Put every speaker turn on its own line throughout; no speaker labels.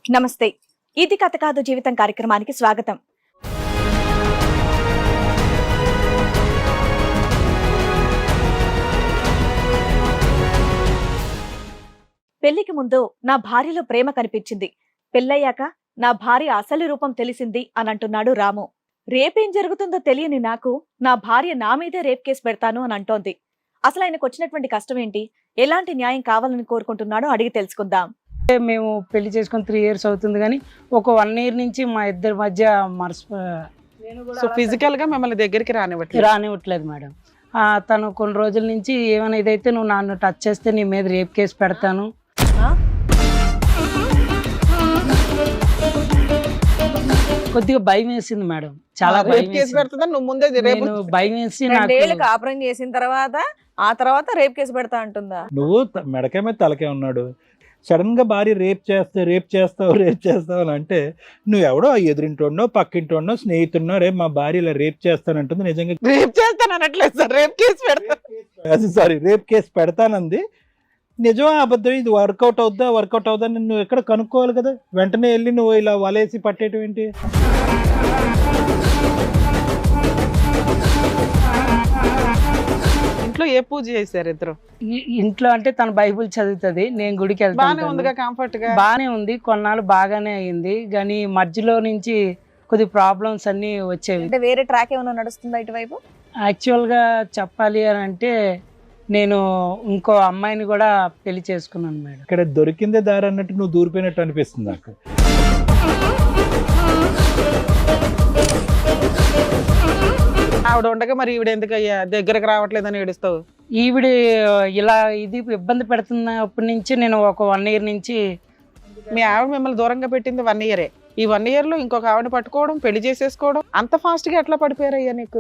నమస్తే. ఇది కథ కాదు జీవితం కార్యక్రమానికి స్వాగతం. పెళ్లికి ముందు నా భార్యలో ప్రేమ కనిపించింది. పెళ్ళయ్యాక నా భార్య అసలు రూపం తెలిసింది అని అంటున్నాడు రాము. రేపేం జరుగుతుందో తెలియని నాకు నా భార్య నా మీదే రేప్ కేసు పెడతాను అని అంటోంది. అసలు ఆయనకు వచ్చినటువంటి కష్టం ఏంటి, ఎలాంటి న్యాయం కావాలని కోరుకుంటున్నాడో అడిగి తెలుసుకుందాం.
మేము పెళ్లి చేసుకొని 3 years అవుతుంది, కానీ ఒక 1 year నుంచి మా ఇద్దరి మధ్య
సో ఫిజికల్ గా మిమ్మల్ని దగ్గరికి
రానివ్వట్లేదు మేడం. తను కొన్ని రోజుల నుంచి ఏమైనా ఇదైతే నువ్వు నన్ను టచ్ చేస్తే నీ మీద రేప్ కేసు పెడతాను. కొద్దిగా భయం వేసింది మేడం, చాలా భయం వేసి
నాకు కాపురం చేసిన తర్వాత రేప్ కేసు పెడతా అంటుందా?
నువ్వు మెడకే మీద తలకే ఉన్నాడు, సడన్ గా భార్య రేప్ చేస్తావు అని అంటే నువ్వు ఎవడో ఎదురింటోడో పక్కింటోడో స్నేహితుడినో రేపు మా భార్య ఇలా రేప్ చేస్తానంటుంది. నిజంగా
రేప్ చేస్తానట్లేదు సార్,
రేప్ కేసు పెడతానంది. నిజమా అబద్ధం, ఇది వర్కౌట్ అవుద్దా నువ్వు ఎక్కడ కనుక్కోవాలి కదా. వెంటనే వెళ్ళి నువ్వు ఇలా వలేసి పట్టేయటం ఏంటి?
ఇంట్లో ఏ పూజ చేశారు ఇద్దరు?
ఇంట్లో అంటే తన బైబుల్ చదువుతుంది, నేను గుడికి వెళ్తాను.
కంఫర్ట్ గా
బాగానే ఉంది, కొన్నాళ్ళు బాగానే అయింది, కానీ మధ్యలో నుంచి కొద్ది ప్రాబ్లమ్స్ అన్ని వచ్చేవి.
అంటే వేరే ట్రాక్ ఏమైనా నడుస్తుందా ఇటువైపు?
యాక్చువల్ గా చెప్పాలి అని అంటే నేను ఇంకో అమ్మాయిని కూడా పెళ్లి చేసుకున్నాను మేడం.
ఇక్కడ దొరికిందే దారి అన్నట్టు నువ్వు దూరిపోయినట్టు అనిపిస్తుంది నాకు.
ఆవిడ ఉండగా మరి ఈవిడ ఎందుకు అయ్యా దగ్గరకు రావట్లేదని ఏడుస్తావు?
ఈవిడ ఇలా ఇది ఇబ్బంది పెడుతున్నప్పటి నుంచి నేను ఒక 1 year నుంచి.
మీ ఆవిడ మిమ్మల్ని దూరంగా పెట్టింది 1 year. ఈ 1 year లో ఇంకొక ఆవిడ పట్టుకోవడం, పెళ్లి చేసేసుకోవడం, అంత ఫాస్ట్ గా ఎట్లా పడిపోయారయ్యా నీకు?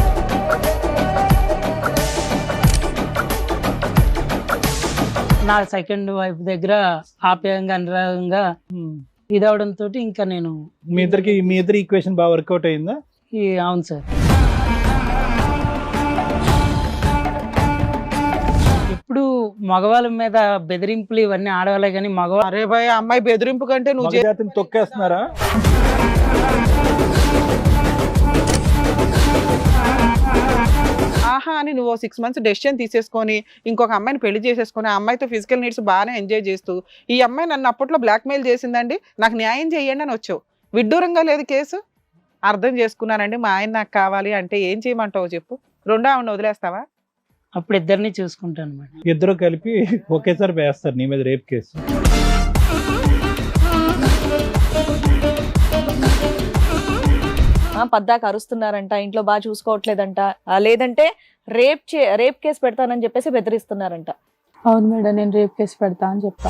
నా సెకండ్ వైఫ్ దగ్గర ఆప్యాయంగా అనురాగంగా ఇదవడంతో ఇంకా నేను
మీ ఇద్దరి ఈక్వేషన్ బాగా వర్కౌట్ అయిందా?
అవును సార్. ఇప్పుడు మగవాళ్ళ మీద బెదిరింపులు ఇవన్నీ ఆడవాళ్ళే, కానీ మగవాళ్ళు
అరే భయ అమ్మాయి బెదిరింపు కంటే నువ్వు
జాతిని తొక్కేస్తున్నారా?
ఆహా అని నువ్వు 6 months డెసిషన్ తీసేసుకొని ఇంకొక అమ్మాయిని పెళ్లి చేసేసుకొని ఆ అమ్మాయితో ఫిజికల్ నీడ్స్ బాగానే ఎంజాయ్ చేస్తూ ఈ అమ్మాయి నన్ను అప్పట్లో బ్లాక్మెయిల్ చేసిందండి, నాకు న్యాయం చేయండి అని వచ్చావు. విడ్డూరంగా లేదు కేసు. అర్థం చేసుకున్నానండి, మా ఆయన నాకు కావాలి అంటే ఏం చేయమంటావు చెప్పు? రెండో ఆవిడ వదిలేస్తావా?
అప్పుడు ఇద్దరిని చూసుకుంటాను మేడం.
ఇద్దరు కలిపి ఒకేసారి వేస్తారు నీ మీద రేప్ కేసు.
పద్దాక అరుస్తున్నారంట, ఇంట్లో బాగా చూసుకోవట్లేదంట, లేదంటే రేప్ కేసు పెడతానని చెప్పేసి బెదిరిస్తున్నారంట.
అవును మేడం, నేను రేప్ కేసు పెడతా అని చెప్పా.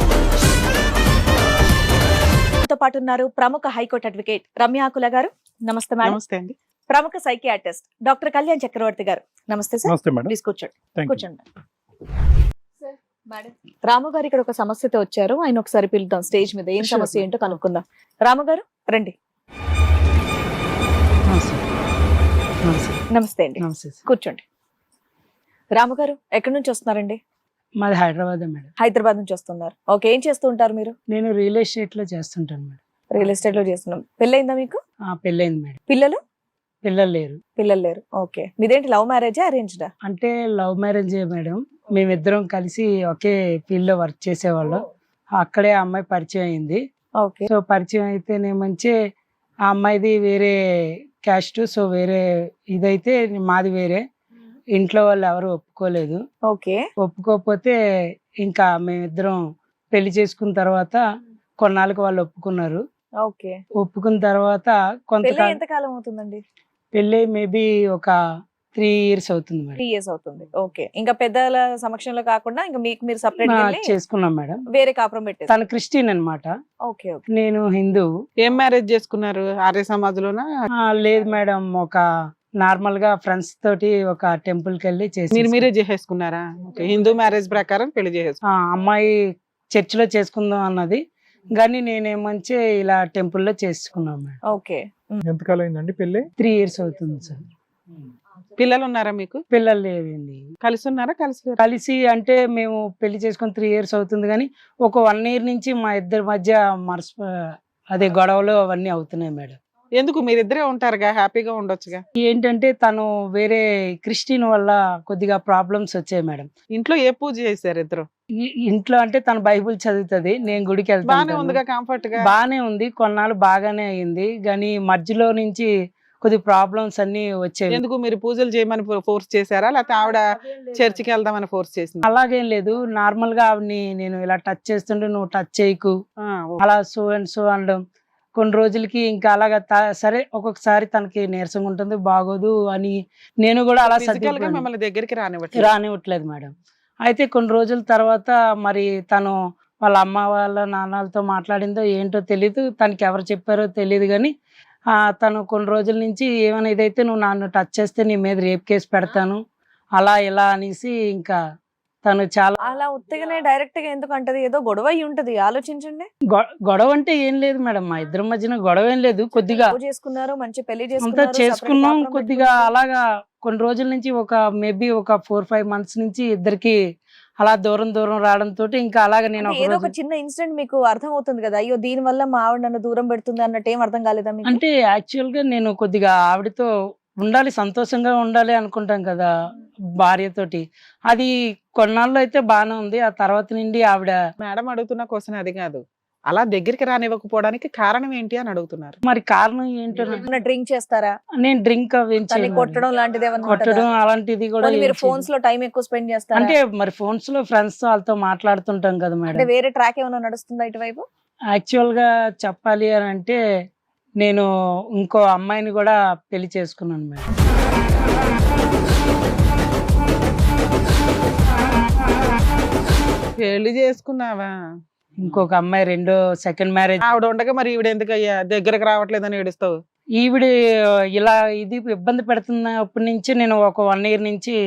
తో పాటు ఉన్నారు ప్రముఖ హైకోర్టు అడ్వకేట్ రమ్యాకుల గారు. నమస్తే మేడం.
నమస్తే అండి.
ప్రముఖ సైకియాట్రిస్ట్ డాక్టర్ కళ్యాణ్ చక్రవర్తి గారు. నమస్తే సార్.
నమస్తే మేడం.
ప్లీజ్ కూర్చోండి.
థాంక్యూ.
కూర్చోండి రాము గారు ఇక్కడ ఒక సమస్యతో వచ్చారు, ఆయన ఒకసారి పిలుద్దాం స్టేజ్ మీద. ఏం సమస్య ఏంటో కనుక్కుందాం. రాము గారు రండి. నమస్తే అండి,
నమస్తే సార్.
కూర్చోండి. రాము గారు ఎక్కడి నుంచి వస్తున్నారండి?
మాది హైదరాబాద్ మేడం.
హైదరాబాద్ నుంచి వస్తున్నారు. ఓకే, ఏం చేస్తూ ఉంటారు మీరు?
నేను రియల్ ఎస్టేట్ లో చేస్తుంటాను మేడం.
రియల్ ఎస్టేట్ లో చేస్తున్నాం. పెళ్ళయిందా మీకు?
పెళ్ళైంది మేడం.
పిల్లలు
పిల్లలు లేరు.
ఓకే, మీదేంటి లవ్ మ్యారేజా అరేంజ్డా?
అంటే లవ్ మ్యారేజ్ మేడం. మేమిద్దరం కలిసి ఒకే ఫీల్డ్ లో వర్క్ చేసేవాళ్ళం. అక్కడే ఆ అమ్మాయి పరిచయం అయింది.
ఓకే.
సో పరిచయం అయితేనేమంచి ఆ అమ్మాయిది వేరే క్యాస్ట్, సో వేరే ఇదైతే మాది వేరే. ఇంట్లో వాళ్ళు ఎవరు ఒప్పుకోలేదు.
ఓకే.
ఒప్పుకోకపోతే ఇంకా మేమిద్దరం పెళ్లి చేసుకున్న తర్వాత కొన్నాళ్ళకి వాళ్ళు ఒప్పుకున్నారు.
ఓకే.
ఒప్పుకున్న తర్వాత కొంతకాలం,
ఎంతకాలం అవుతుందండి?
పెళ్ళి మేబీ ఒక 3 years అవుతుంది మేడం.
3 years అవుతుంది. ఓకే. ఇంకా పెద్దల సమక్షంలో కాకుండా ఇంకా మీకు మీరు సపరేట్
చేసుకున్నాం మేడం.
వేరే కాపురం పెట్టేసి.
తను క్రిస్టియన్ అన్నమాట.
ఓకే.
నేను హిందూ.
ఏం మ్యారేజ్ చేసుకున్నారు? ఆర్య సమాజ్లోనా?
లేదు మేడం, ఒక నార్మల్ గా ఫ్రెండ్స్ తోటి ఒక టెంపుల్ కి వెళ్ళి చేసి
మీరే చేసేసుకున్నారా? హిందూ మ్యారేజ్ ప్రకారం పెళ్లి చేసేసుకున్నా.
అమ్మాయి చర్చ్ లో చేసుకుందాం అన్నది, కానీ నేనేమంచి ఇలా టెంపుల్ లో చేసుకున్నాం మేడం.
ఓకే.
ఎంతకాలం అయిందండి పెళ్ళి?
3 years అవుతుంది సార్.
పిల్లలు ఉన్నారా మీకు?
పిల్లలు లేదండి.
కలిసి ఉన్నారా? కలిసి లేరా?
కలిసి అంటే మేము పెళ్లి చేసుకొని 3 years అవుతుంది కానీ ఒక 1 year నుంచి మా ఇద్దరి మధ్య అదే గొడవలు అవన్నీ అవుతున్నాయి మేడం.
ఎందుకు మీరిద్దరే ఉంటారుగా, హ్యాపీగా ఉండొచ్చుగా.
ఏంటంటే తను వేరే క్రిస్టియన్ వల్ల కొద్దిగా ప్రాబ్లమ్స్ వచ్చాయి మేడం.
ఇంట్లో ఏ పూజ చేశారు ఇద్దరు?
ఇంట్లో అంటే తను బైబిల్ చదువుతుంది, నేను గుడికి
బానే
వెళ్తాను.
ఉందిగా, కంఫర్ట్ గా
బానే ఉంది, కొన్నాళ్ళు బాగానే అయింది కానీ మధ్యలో నుంచి కొద్ది ప్రాబ్లమ్స్ అన్ని వచ్చాయి.
ఎందుకు మీరు పూజలు చేయమని ఫోర్స్ చేశారా, లేకపోతే ఆవిడ చర్చికి వెళ్దామని ఫోర్స్ చేసింది?
అలాగేం లేదు, నార్మల్ గా ఆవిడని నేను ఇలా టచ్ చేస్తుంటే నువ్వు టచ్ చేయకు అలా సో అండ్ సో అనడం. కొన్ని రోజులకి ఇంకా అలాగా సరే ఒక్కొక్కసారి తనకి నీరసంగా ఉంటుంది, బాగోదు అని నేను కూడా అలా
ఫిజికల్ గా మిమ్మల్ని దగ్గరికి
రానివ్వట్లేదు మేడం. అయితే కొన్ని రోజుల తర్వాత మరి తను వాళ్ళ అమ్మ వాళ్ళ నాన్నలతో మాట్లాడిందో ఏంటో తెలీదు, తనకి ఎవరు చెప్పారో తెలియదు కానీ తను కొన్ని రోజుల నుంచి ఏమైనా ఇదైతే నువ్వు నన్ను టచ్ చేస్తే నీ మీద రేప్ కేసు పెడతాను అలా ఇలా అనేసి ఇంకా తను చాలా
అలా ఉత్తగానే డైరెక్ట్ గా ఎందుకు అంటది? ఏదో గొడవ అయి ఉంటది, ఆలోచించండి.
గొడవ అంటే ఏం లేదు మేడం, మా ఇద్దరి మధ్యన గొడవ ఏం లేదు. కొద్దిగా
లవ్ చేసుకున్నారు, మంచి పెళ్లి
అంతా చేసుకున్నాం,
separate
కొద్దిగా
కాపురం
అలాగా కొన్ని రోజుల నుంచి మేబీ ఒక 4-5 months నుంచి ఇద్దరికి అలా దూరం రావడం తోటి ఇంకా అలాగా నేను
అంటే ఏదో ఒక చిన్న ఇన్సిడెంట్ మీకు అర్థం అవుతుంది కదా, అయ్యో దీని వల్ల మా ఆవిడ నన్ను దూరం పెడుతుంది అన్నట్టు ఏం అర్థం కాలేదా మీకు?
అంటే యాక్చువల్ గా నేను కొద్దిగా ఆవిడతో ఉండాలి, సంతోషంగా ఉండాలి అనుకుంటాం కదా భార్యతోటి. అది కొన్నాళ్ళు అయితే బాగానే ఉంది, ఆ తర్వాత నుండి ఆవిడ
మేడం అడుగుతున్న క్వశ్చన్ అది కాదు, అలా దగ్గరికి రానివ్వకపోవడానికి కారణం ఏంటి అని అడుగుతున్నారు.
మరి కారణం ఏంటో
డ్రింక్ చేస్తారా?
నేను డ్రింక్
తన్ని కొట్టడం లాంటిది ఏమన్నా
కొట్టడం అలాంటిది కూడా
పోనీ మీరు
ఏం
ఫోన్స్ లో టైం ఎక్కువ స్పెండ్
చేయను.
చేస్తారా?
అంటే మరి ఫోన్స్ లో ఫ్రెండ్స్ తో వాళ్ళతో మాట్లాడుతుంటాం కదా
అంటే
మేడం.
వేరే ట్రాక్ ఏమైనా నడుస్తుందా ఇటువైపు?
యాక్చువల్ గా చెప్పాలి అని అంటే నేను ఇంకో అమ్మాయిని కూడా పెళ్లి చేసుకున్నాను మేడం.
పెళ్లి చేసుకున్నావా?
ఇంకొక అమ్మాయి సెకండ్ మ్యారేజ్.
ఆవిడ ఉండగా మరి ఈవిడ ఎందుకు అయ్యా దగ్గరకు రావట్లేదని ఏడుస్తావు?
ఈవిడ ఇలా ఇది ఇబ్బంది పెడుతున్నప్పటి నుంచి నేను ఒక 1 year నుంచి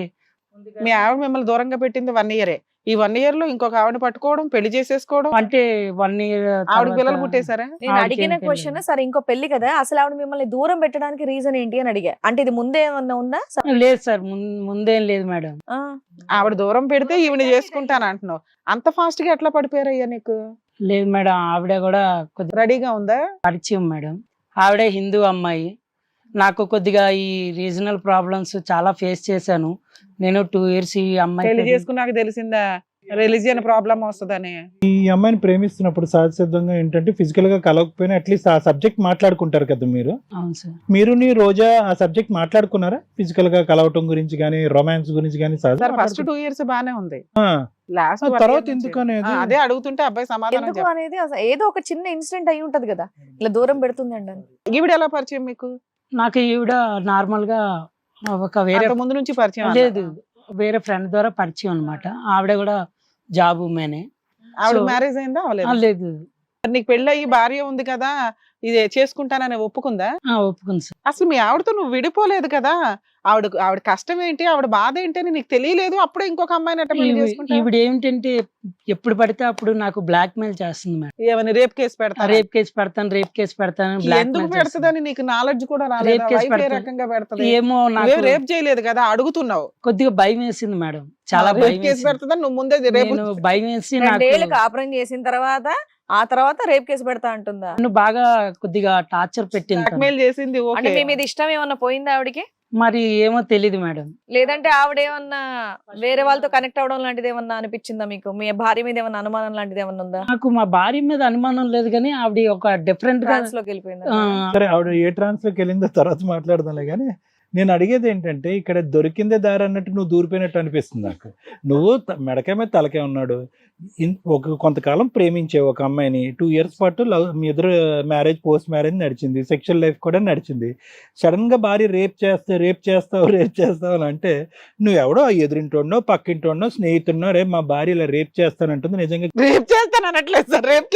మీ ఆవిడ మిమ్మల్ని దూరంగా పెట్టింది 1 year. ఈ 1 year లో ఇంకొక ఆవిడ పట్టుకోవడం, పెళ్లి చేసేసుకోవడం.
అంటే 1 year
ఆవిడ పిల్లలు పుట్టేశారా?
నేను అడిగిన క్వశ్చన్ సరే ఇంకో పెళ్లి కదా, అసలు ఆవిడ మిమ్మల్ని దూరం పెట్టడానికి రీజన్ ఏంటి అని అడిగా. అంటే ఇది ముందే ఏమన్నా ఉందా?
లేదు సార్, ముందేం లేదు మేడం.
ఆవిడ దూరం పెడితే ఈవిడ చేసుకుంటాను అంటున్నావు, అంత ఫాస్ట్ గా ఎట్లా పడిపోయారయ్యా నీకు?
లేదు మేడం, ఆవిడ కూడా కొద్దిగా
రెడీగా ఉందా?
పరిచయం మేడం. ఆవిడ హిందూ అమ్మాయి. నాకు కొద్దిగా ఈ రీజనల్ ప్రాబ్లమ్స్ చాలా ఫేస్ చేశాను నేను 2 years. ఈ అమ్మాయి
పెళ్లి చేసుకున్నాక తెలిసిందా రిలీజియన్ ప్రాబ్లం వస్తుందని?
ఈ అమ్మాయిని ప్రేమిస్తున్నప్పుడు సహజసిద్ధంగా ఏంటంటే ఫిజికల్ గా కలవకపోయినా అట్లీస్ట్ ఆ సబ్జెక్ట్ మాట్లాడుకుంటారు కదా మీరు.
అవును సార్.
మీరు నీ రోజా ఆ సబ్జెక్ట్ మాట్లాడుకున్నారా? ఫిజికల్ గా కలవటం గురించి కానీ, రొమాన్స్ గురించి కానీ?
ఫస్ట్ 2 years బానే ఉంది,
ఆ,
లాస్ట్
తర్వాత ఎందుకు అనేది
అదే అడుగుతుంటే అబ్బాయి సమాధానం
ఎందుకు
చెప్పు.
అనేది అసలు ఏదో ఒక చిన్న ఇన్సిడెంట్ అయి ఉంటది కదా, ఇలా దూరం పెడుతుంది అండి.
ఈవిడ ఎలా పరిచయం మీకు?
నాకు ఈవిడ నార్మల్ గా ఒక వేరే
ముందు నుంచి పరిచయం?
లేదు, వేరే ఫ్రెండ్ ద్వారా పరిచయం అన్నమాట. ఆవిడ కూడా జాబ్ ఉమెనే.
ఆవిడ మ్యారేజ్ అయిందా?
లేదు.
నీకు పెళ్ళి అయ్యి భార్య ఉంది కదా, ఇది చేసుకుంటానని ఒప్పుకుందా?
ఒప్పుకుంది సార్.
అసలు మీ ఆవిడతో నువ్వు విడిపోలేదు కదా, ఆవిడ కష్టం ఏంటి, ఆవిడ బాధ ఏంటి అని నీకు తెలియలేదు, అప్పుడే ఇంకొక అమ్మాయిని అట్ట పెళ్లి చేసుకుంటావు?
ఈవిడ ఏమిటంటే ఎప్పుడు పడితే అప్పుడు నాకు బ్లాక్ మెయిల్ చేస్తుంది మేడం.
ఏమని రేప్ కేసు పెడతా?
రేప్ కేసు పెడతాను
ఎందుకు పెడతదని నీకు నాలెడ్జ్ కూడా రాలేదు?
రేప్ కేసు
వైఫ్ ఏ రకంగా పెడతది?
ఏమో నాకు
రేప్ చేయలేదు కదా, అడుగుతున్నావు.
కొద్దిగా భయం వేసింది మేడం, చాలా
రేప్
భయం
కేసు
వేసింది.
పెడతదని నువ్వు ముందే రేపు
నేను భయం వేసి
2 ఏళ్ళు కాపురం చేసిన తర్వాత ఆ తర్వాత రేప్ కేసు పెడతా అంటుందా?
నన్ను బాగా కొద్దిగా టార్చర్ పెట్టింది తను.
బ్లాక్మెయిల్ చేసింది.
అంటే
ఓకే,
మీ మీద ఇష్టం ఏమన్నా పోయిందా ఆవిడకి?
మరి ఏమో తెలీదు మేడం.
లేదంటే ఆవిడ ఏమన్నా వేరే వాళ్ళతో కనెక్ట్ అవడం లాంటిది ఏమన్నా అనిపించిందా మీకు? మీ భార్య మీద ఏమన్నా అనుమానం లాంటిది ఏమన్నా ఉందా?
నాకు మా భార్య మీద అనుమానం లేదు కానీ ఆవిడ ఒక డిఫరెంట్ గా
ట్రాన్స్ లోకి వెళ్ళిపోయిందా?
సరే, ఆవిడ ఏ ట్రాన్స్ లోకి వెళ్ళిందో తర్వాత మాట్లాడదాంలే కానీ నేను అడిగేది ఏంటంటే ఇక్కడ దొరికిందే దారి అన్నట్టు నువ్వు దూరిపోయినట్టు అనిపిస్తుంది నాకు. నువ్వు మెడకే మీద తలకే ఉన్నాడు, కొంతకాలం ప్రేమించే ఒక అమ్మాయిని 2 years పాటు మీ ఇద్దరు మ్యారేజ్ పోస్ట్ మ్యారేజ్ నడిచింది, సెక్షువల్ లైఫ్ కూడా నడిచింది. సడన్ గా భార్య రేప్ చేస్తావు అని అంటే నువ్వెవడో ఎదురింటోడో పక్కింటోడో స్నేహితుడినో రేపు మా భార్య ఇలా రేప్ చేస్తానంటుంది. నిజంగా
రేప్ చేస్తాను అనట్లేదు sir, rape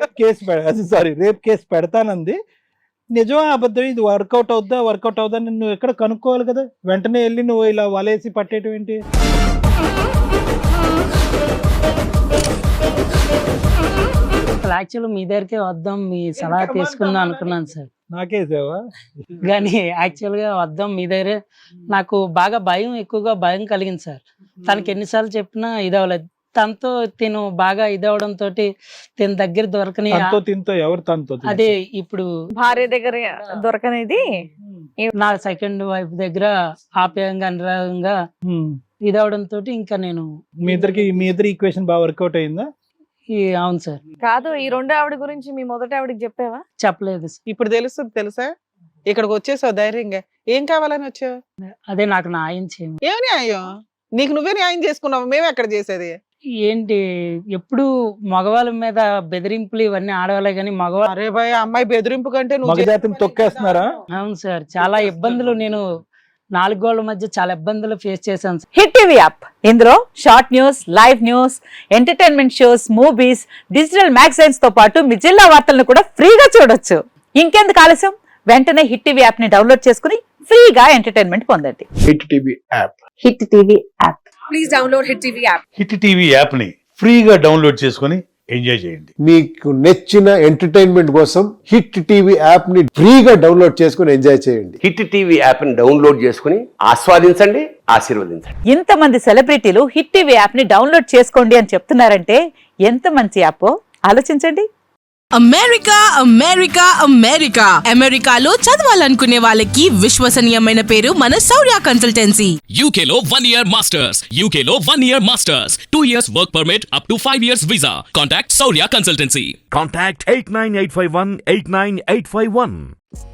case
rape case పెడతానంది. నిజమా అబద్ధం? ఇది వర్కౌట్ అవుద్దా నువ్వు ఎక్కడ కనుక్కోవాలి కదా, వెంటనే వెళ్ళి నువ్వు ఇలా వలేసి పట్టేయటం ఏంటి?
యాక్చువల్ మీ దగ్గరికే వద్దాం, మీ సలహా తీసుకుందాం అనుకున్నాను సార్.
నాకేసావా?
కానీ యాక్చువల్గా వద్దాం మీ దగ్గరే. నాకు బాగా ఎక్కువగా భయం కలిగింది సార్. తనకి ఎన్నిసార్లు చెప్పినా ఇదవలేదు. తనతో తిను బాగా ఇదవడం తోటి తిన దగ్గర దొరకని
తనతో తింతో ఎవరు తనతో?
అదే ఇప్పుడు
భార్య దగ్గర దొరకనేది
నా సెకండ్ వైఫ్ దగ్గర ఆప్యాయంగా అనురాగంగా ఇదవడం తోటి ఇంకా నేను
మీ ఇద్దరి ఈక్వేషన్ బాగా వర్కౌట్ అయిందా?
అవును సార్.
కాదు, ఈ రెండో ఆవిడ గురించి మీ మొదటి ఆవిడకి చెప్పావా?
చెప్పలేదు సార్.
ఇప్పుడు తెలుస్తుంది తెలుసా? ఇక్కడికి వచ్చేసావు ధైర్యంగా. ఏం కావాలని వచ్చావు?
అదే నాకు న్యాయం చేయండి.
ఏం న్యాయం? నీకు నువ్వే న్యాయం చేసుకున్నావు, మేము ఎక్కడ చేసేది?
ఏంటి ఎప్పుడు మగవాళ్ళ మీద బెదిరింపులు ఇవన్నీ ఆడవాళ్ళే కానీ మగవాళ్ళు.
అరే భయ్, అమ్మాయి బెదిరింపు కంటే నువ్వు
మగజాతిని తొక్కేస్తున్నారా?
అవును సార్, చాలా ఇబ్బందులు నేను 4 గోళ్ల మధ్య చాలా ఇబ్బందులు ఫేస్ చేశాను సార్.
హిట్ టీవీ యాప్ ఇందులో short news, live news, entertainment shows, movies, digital magazines తో పాటు మీ జిల్లా వార్తలను కూడా ఫ్రీగా చూడొచ్చు. ఇంకెందుకు ఆలస్యం, వెంటనే హిట్ టీవీ యాప్ ని డౌన్లోడ్ చేసుకుని ఫ్రీగా ఎంటర్టైన్మెంట్ పొందండి.
Hit TV app.
Hit TV app.
Please download hit TV app.
Hit TV యాప్ని ఫ్రీగా డౌన్లోడ్ చేసుకొని ఎంజాయ్ చేయండి.
మీకు నచ్చిన ఎంటర్టైన్మెంట్ కోసం హిట్ టీవీ యాప్ ని ఫ్రీగా డౌన్లోడ్ చేసుకొని ఎంజాయ్ చేయండి.
హిట్ టీవీ యాప్ని డౌన్లోడ్ చేసుకుని ఆస్వాదించండి, ఆశీర్వదించండి.
ఇంతమంది సెలబ్రిటీలు హిట్ టీవీ యాప్ ని డౌన్లోడ్ చేసుకోండి అని చెప్తున్నారంటే ఎంత మంచి యాప్ ఆలోచించండి.
అమెరికా అమెరికా అమెరికా అమెరికాలో చదవాలనుకునే వాళ్ళకి విశ్వసనీయమైన పేరు మన శౌర్య కన్సల్టెన్సీ.
UK లో 1 year masters. UK లో 1 year masters. 2 years work permit up to 5 years visa. Contact Saurya Consultancy.
Contact 89851 89851.